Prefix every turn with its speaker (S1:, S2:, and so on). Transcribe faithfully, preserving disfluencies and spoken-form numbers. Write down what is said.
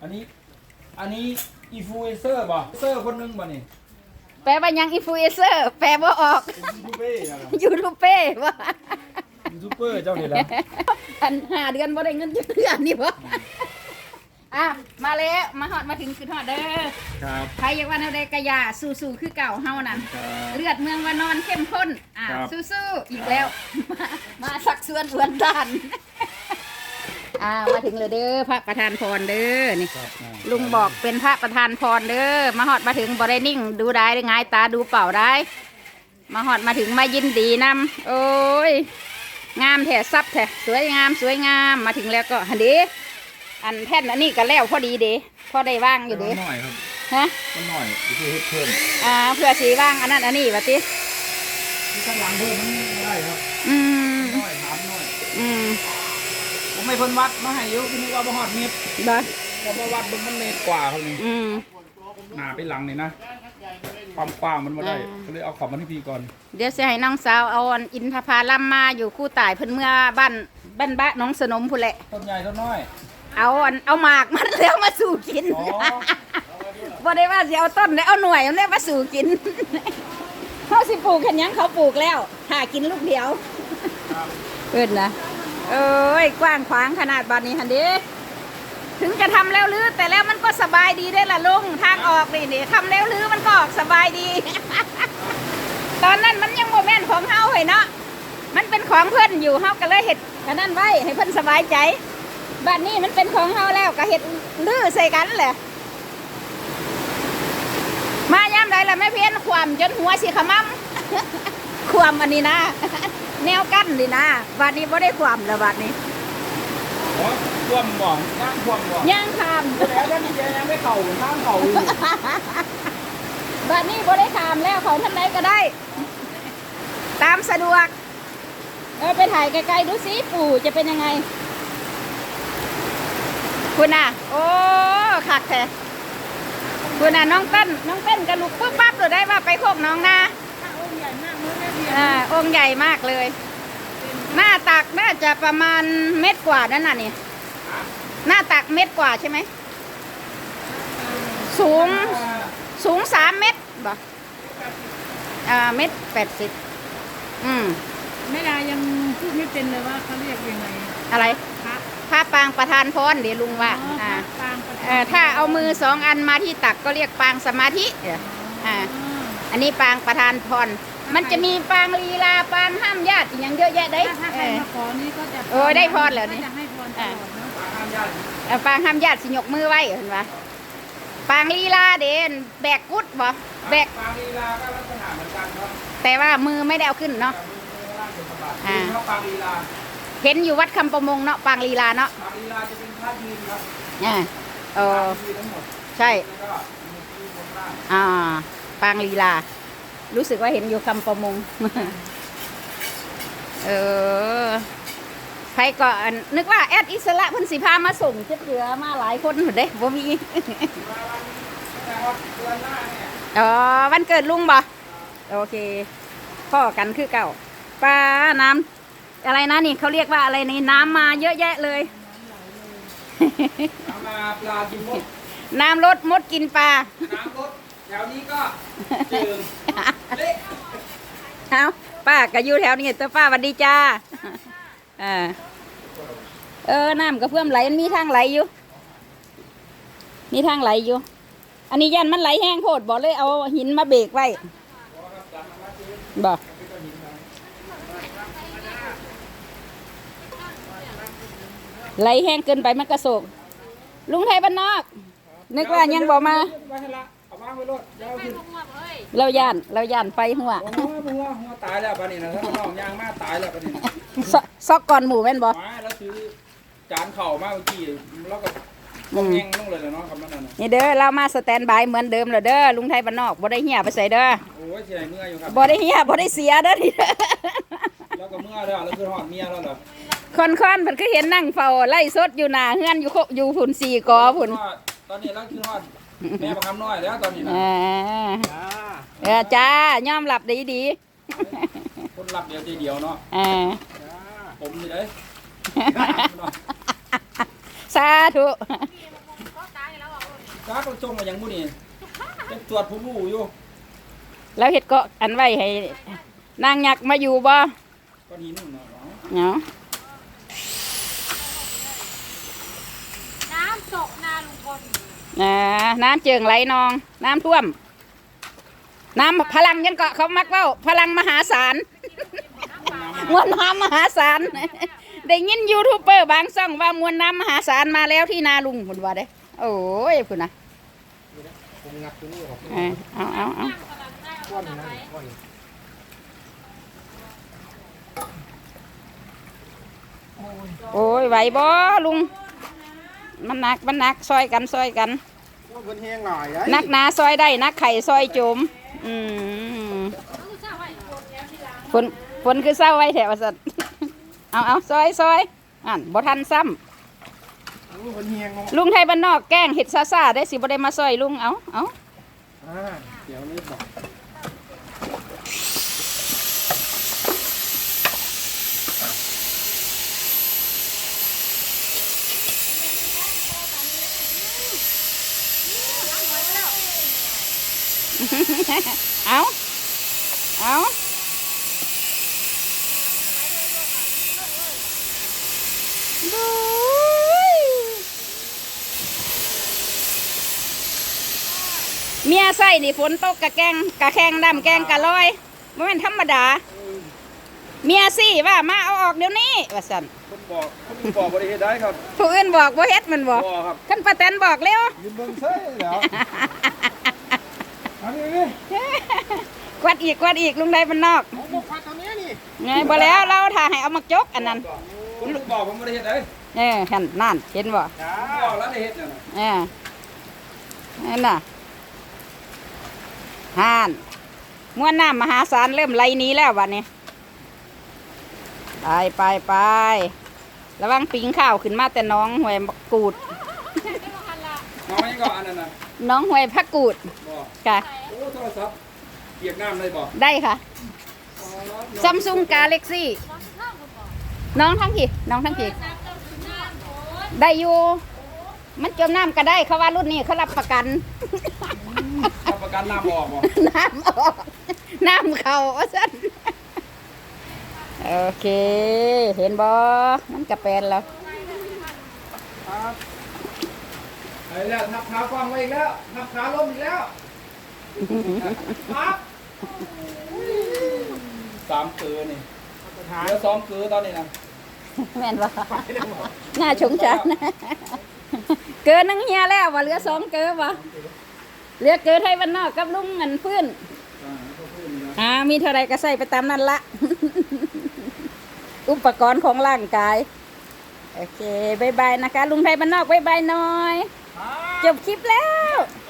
S1: อันนี้อันนี้อินฟลูเอนเซอร์ป่ะเซอร์คนนึงป่ะนี่
S2: แปลว่ายังอินฟลูเอนเซอร์แปลว่าออก
S1: ยูทูบเบอร์นะ
S2: ยูทูบเบอร์ว่า
S1: ยูทูบเบอร์เจ้าเนี่ยแหละ
S2: อันห้าเดือนบ่ได้เงินเดือนนี่บ่อ่ะมาแล้วมาฮอดมาถึงคือฮอดเด้อ
S1: ครับ
S2: ใครอยากว่าแนวใดกะยาสู้ๆคือเก่าเฮานั่น
S1: ครับ
S2: เลือดเมืองวานอนเข้มข้นอ่ะ
S1: ครับ
S2: สู้ๆอีกแล้ว มามาสักส่วนอวนด้านอ่ามาถึงเลยเด้อพระประธานพรเด้อนี่
S1: ครับอ่า
S2: ลุงบอกเป็นพระประธานพรเด้อมาฮอดมาถึงบ่ได้นิ่งดูได้ได้งายตาดูเปล่าได้ มาฮอดมาถึงมายินดีนำโอ้ยงามแท้ซับแท้สวยงามสวยงามมาถึงแล้วก็หันเด้อันแท่นอันนี้ก็แล้วพอดีเด้พอได้ว่างอยู่เด้
S1: มันหน่อยครับ
S2: ฮะ
S1: มันหน่อยคือเฮ็ดเพิ่ม
S2: อ่าเพื่อสีว่างอันนั้นอันนี้วะติ
S1: ที่ข้างหลังเพิ่มมันไม่ได้ครับ
S2: อืม
S1: หน่อยถามหน่อย
S2: อืม
S1: ผมไม่เพิ่นวัดมาให้เยอะคือนึกว่าบ่ฮอดเมตร
S2: บ่
S1: พอมาวัดเบิ่งมันเมตรกว่าครับนี่
S2: อืม
S1: หน้าไปหลังนี่นะความกว้างมันบ่ได้
S2: อ่า
S1: ก็เลยเอาของมาที่พี่ก่อน
S2: เดี๋ยวสิให้น้องสาวเอาอันอินทผลัมมาอยู่คู่ตายเพิ่นเมื่อบ้านบ้านบ้านน้องสนมพุ่นแหละ
S1: ต้นใหญ่ต้นน้อย
S2: เอาอันเอาหมากมันแล้วมาสู่กิน
S1: อ๋อ
S2: บ่ได้ว่าสิเอาต้นได้เอาหน่วยมันได้มาสู่กิน เขาสิปลูกแค่ยังเขาปลูกแล้วหากินลูกเดียวเพิ่นนะเอ้ยกว้างขวางขนาดบ้านนี้หั่นเด้ถึงจะทำแล้วลือแต่แล้วมันก็สบายดีได้อล่ะลุงทางออกนี่นี่ทำแล้วลือมันก็ออกสบายดี ตอนนั้นมันยังโมแม่นของเฮาเฮ้ยเนาะมันเป็นของเพิ่นอยู่เฮาก็เลยเฮ็ดอันนั้นไว้ให้เพิ่นสบายใจบ้านนี้มันเป็นของเฮาแล้วก็เฮ็ดลือใส่กันแหละมายามใดล่ะแม่เพี้ยนความจนหัวสิขมำ ความอันนี้นะ แนวกั้นนี่นะบ้านนี้บ่ได้ความแล้วบ้านนี้
S1: อ๋อท่วมบ่ย่างท่วมบ่
S2: ย่างข้าม
S1: แล้วท่านยังไม่เข้าข้างเข้าอยู่
S2: บ้านนี้บ่ได้ข้ามแล้วเขาท่านใดก็ได้ ตามสะดวกเออไปถ่ายไกลๆดูสิปู่จะเป็นยังไงคุณน่ะโอ้คักแท้คุณน่ะน้องเต้นน้องเต้นกระลุกปุ๊บปั๊บตัวได้ว่าไปโคกน้องนาอ่าองค์ใหญ่มากเลย หน้าตักน่าจะประมาณเม็ดกว่านั่นน่ะนี่หน้าตักเม็ดกว่าใช่ไหมสูงสูงสามเม็ดบ่อ่าเม็ดแปดสิบอืม
S3: แม่ดายังพูดไม่เป็นเลยว่าเขาเรียกยังไง
S2: อะไร
S3: พระ
S2: ผ้าปางประธานพรเดี๋ยวลุงว่า
S3: อ๋อ
S2: อ่า
S3: พระปางประ
S2: เอ่อถ้าเอามือสองอันมาที่ตักก็เรียกปางสมาธิเดี๋ยวอ่า อันนี้ปางประธานพร มันจะมีปางลีลาปางห้ามญาติอหย่างเยอะแยะได้
S3: ถ้าถ้าใครมาขอนี่ก็จะ
S2: เออได้พรเหรอนี่
S3: ก็จะให้พรตลอดเนาะ
S2: เอ่อปางห้ามญาติสิยกมือไว้เห็นปะปางลีลาเด่นแบกกุดบ่แบก
S1: ปางลีลาก็ลักษณะเหมือนกันครับ
S2: แต่ว่ามือไม่ได้เอาขึ้นเนาะ อ่า
S1: เขาปางลีลา
S2: เห็นอยู่วัดคำประมงเนาะปางลีลาเนาะ
S1: ปางลีลาจะเป็นท่ายืนครับ
S2: อ่าเออ
S1: ยืนทั้งหมด
S2: ใช่
S1: แล้วก็มีที่บนล่าง
S2: อ่าปางลีลา รู้สึกว่าเห็นอยู่คำประมง เออใครก็อันนึกว่าแอดอิสระเพิ่นสิพามาส่งเจ็ดเหลือมาหลายคนหมดเด้บ่มี
S1: แต่ว่าเดือนหน้าเนี่ย
S2: อ๋อวันเกิดลุงบ่โอเคพ่อกันคือเก่าปลาน้ำอะไรนะนี่เขาเรียกว่าอะไรนี่น้ำมาเยอะแยะเลย
S1: เอามาปลากินมด
S2: น้ำลดมดกินปลา
S1: น้ำรถแถวนี้ก็เจิงเละ
S2: เอาป้าก็อยู่แถวนี้ตัวป้าสวัสดีจ้าเออเออน้ำก็เพื่อมไหลมันมีทางไหลอยู่มีทางไหลอยู่ อันนี้ยันมันไหลแห้งโพดบอกเลยเอาหินมาเบรกไว้บอกไหลแห้งเกินไปมันกระโศกลุงไทยบ้านนอก นึกว่ายังบอกมา
S1: ไว้ให้ละเอาวางไว้รถเดี๋ยวเอาขึ้น
S2: เราย่านเราย่านไปหัว
S1: โอ้โหหัวหัวตายแล้วปะนี่นะถ้าน้องยางมาตายแล้วปะนี่นะ
S2: ซซอกก่อนหมูแม่นบอ
S1: มาแล้วซื้อจานเข่ามาเมื่อกี้แล้วก็
S2: อืม
S1: แห้งลงเลยนะเนาะคำนั้นน่ะ
S2: นี่เด้อเรามาสแตนบายเหมือนเดิมเลยเด้อลุงไทยบ้านนอกบ่ได้เหี่ยไปใส่เด้อ
S1: โอ้ยเสียเมื่อยอยู่ครับ
S2: บ่ได้เหี่ยบ่ได้เสียเด้อนี่เด้อ
S1: แล้วก็เมื่อยแล้วแล้วคือหอดเมียแล้วเหรอ
S2: คนคอนเพิ่นก็เห็นนั่งเฝ้าไล่สดอยู่หน้าเฮือนอยู่โคอยู่พุ่นสี่กอพุ่น
S1: ตอนนี้แล้วคือหอดแม่ประคำน้อยแล้วตอนนี้นะ
S2: อ่าเออจ้ายอมรับดีดี
S1: คนรับเดียวใจเดียวเนาะ
S2: อ่า
S1: ผมนี่เลย
S2: สาธุ
S1: จ้าก็จงมาอย่างบุนี่เป็นตรวจผู้รู้อยู่
S2: แล้วเฮ็ดก็อันไว้ให้นางยักษ์มาอยู่บ่
S1: ก็หินเนาะ
S2: เนาะ
S3: น้ำตกนาลุงพล
S2: อ่าน้ำเจิงไหลนอง น้ำท่วม น้ำพลังยังเกาะเขามักเว้าพลังมหาศาล มวลน้ำมหาศาล ได้ยินยูทูบเบอร์บางช่องว่ามวลน้ำมหาศาลมาแล้วที่นาลุงพุ่นว่าเด้โอ้ยพุ่นนะ
S4: ผมงัดตัวนี้ออก
S2: เออเอาเอาเอา
S4: ก้อนนะก้อน
S2: โอ้ยไหวบ่ลุง มันหนักมันหนักซอยกันซอยกัน
S4: ก้อนเพิ่นแห้งหน่อยไอ้
S2: นักหนาซอยได้นักไข่ซอยโจม อืมฝนฝนคือเศร้าไว้แถวสัตว์ เอาเอาซอยซอยอ่านบ่ทันซ้
S4: โอ้เพิ่นแห้งเนาะ
S2: ำลุงไทยบ้านนอกแกล้งเห็ดซาซาได้สิบ่ได้มาซอยลุงเอาเอา
S4: อ่าเดี๋ยวนี้บอก
S2: เอาเอาดูยเมียใส่นี่ฝนตกกะแกงกะแข้งดำแกงกะลอยบ่แม่นธรรมดา เมียสิว่ามาเอาออกเดี๋ยวนี้ว่าซั่น
S1: คนบอกคนบอกบริเหตุได้ครับ
S2: ผู้อื่นบอกบ่เฮ็ดมันบอก
S1: บอกครับ
S2: คันป้าแตนบอกเร็ว
S4: ยืนเบิ่งเซ่แล้วอันนี้นี่
S2: กวาดอีกกวาดอีกลุงไดบ้านนอก
S4: ผมบอกฟัดตอนนี้นี่
S2: ไงบ่แล้วเราถ่าให้เอามาจกอันนั้น
S1: คนบอกผมบริเหตุได้
S2: เออหั่นนั่นเห็นบ่
S4: จ้า
S1: บอกแล้วได้เหตุเนี่ยนะ
S2: เออนั่นน่ะห่านมวลน้ำมหาศาลเริ่มไหลหนี้แล้ววันนี้ไปไปไประวังปิงข้าวขึ้นมาแต่น้องหวยกูด
S1: น้องยังก็อันนั้นนะ
S2: น้องหวยพักกูด
S1: บอก
S2: ค่ะ
S1: โอ้โทรศัพท์เปียกน้ำเลยบอก
S2: ได้ค่ะซัมซุงกาเล็กซี่น้องทั้งกี่น้องทั้งกี่ได้อยู่มันจมน้ำก็ได้เขาว่ารุ่นนี้เขารับประกัน
S1: รับประกันน้ำออกบอก
S2: น้ำออกน้ำเข้าว่าซั่นโอเค เห็นบ่มันกระเป็นแล้ว
S1: ครับไอ้แล้วทับขากว้างไว้อีกแล้วทับขาล้มอีกแล้วครับสามเกลือนี่เหลือสองเกลือตอนนี้นะ
S2: แม่นบ่น่าชงชันเกินนึงเฮียแล้วว่าเหลือสองเกินบ่เหลือเกินให้บ้านนอกกับลุงเงินพื้น
S1: อ่าเขาพูดนี่นะ
S2: อ่ามีเท่าไรก็ใส่ไปตามนั้นละ อุปกรณ์ของร่างกาย โอเคบายบายนะคะ ลุงไทยบ้านนอกบายบายหน่อย จบคลิปแล้ว